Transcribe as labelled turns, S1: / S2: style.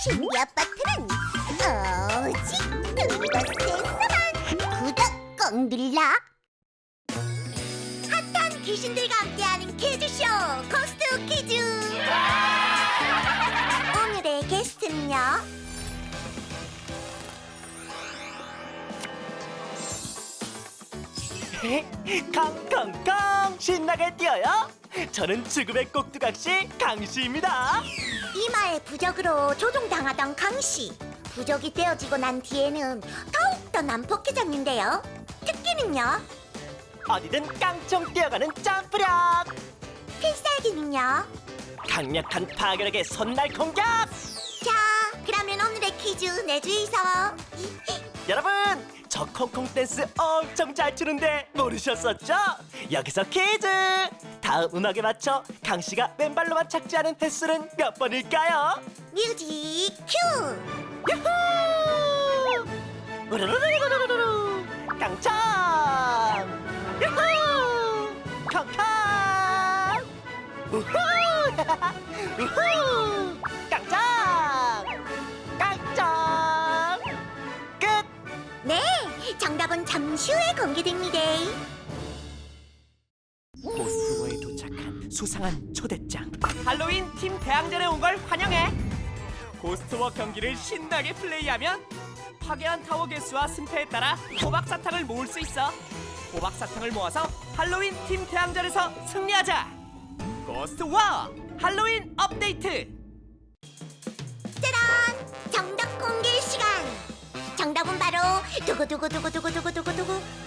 S1: 신비 아파트는 오직 그곳에서만 구독 꼭 눌러. 핫한 귀신들과 함께하는 퀴즈쇼 고스트 퀴즈. 오늘의 게스트는요,
S2: 康康康! 신나게 뛰어요! 저는 죽음의 꼭두각시 강씨입니다.
S1: 이마에 부적으로 조종당하던 강씨. 부적이 떼어지고 난 뒤에는 더욱더 난폭해졌는데요. 특기는요?
S2: 어디든 깡총 뛰어가는 점프력!
S1: 필살기는요?
S2: 강력한 파괴력의 손날 공격!
S1: 자, 그러면 오늘의 퀴즈 내주이소.
S2: 여러분! 저 콩콩 댄스 엄청 잘 추는데 모르셨었죠? 여기서 퀴즈! 다음 음악에 맞춰 강씨가 맨발로만 착지하는 횟수는 몇 번일까요?
S1: 뮤직 큐!
S2: 유후! 우르르르르르르 깡총! 유후! 康康! 우후! 우후! 깡총! 깡총! 끝!
S1: 네, 정답은 잠시 후에 공개됩니다.
S2: 고스트워에 도착한 수상한 초대장. 할로윈 팀 대항전에 온 걸 환영해. 고스트워 경기를 신나게 플레이하면 파괴한 타워 개수와 승패에 따라 호박 사탕을 모을 수 있어. 호박 사탕을 모아서 할로윈 팀 대항전에서 승리하자. 고스트워 할로윈 업데이트.
S1: 짜란! 정답 공개 시간! 정답은 바로 두구두구두구두구두구두구두구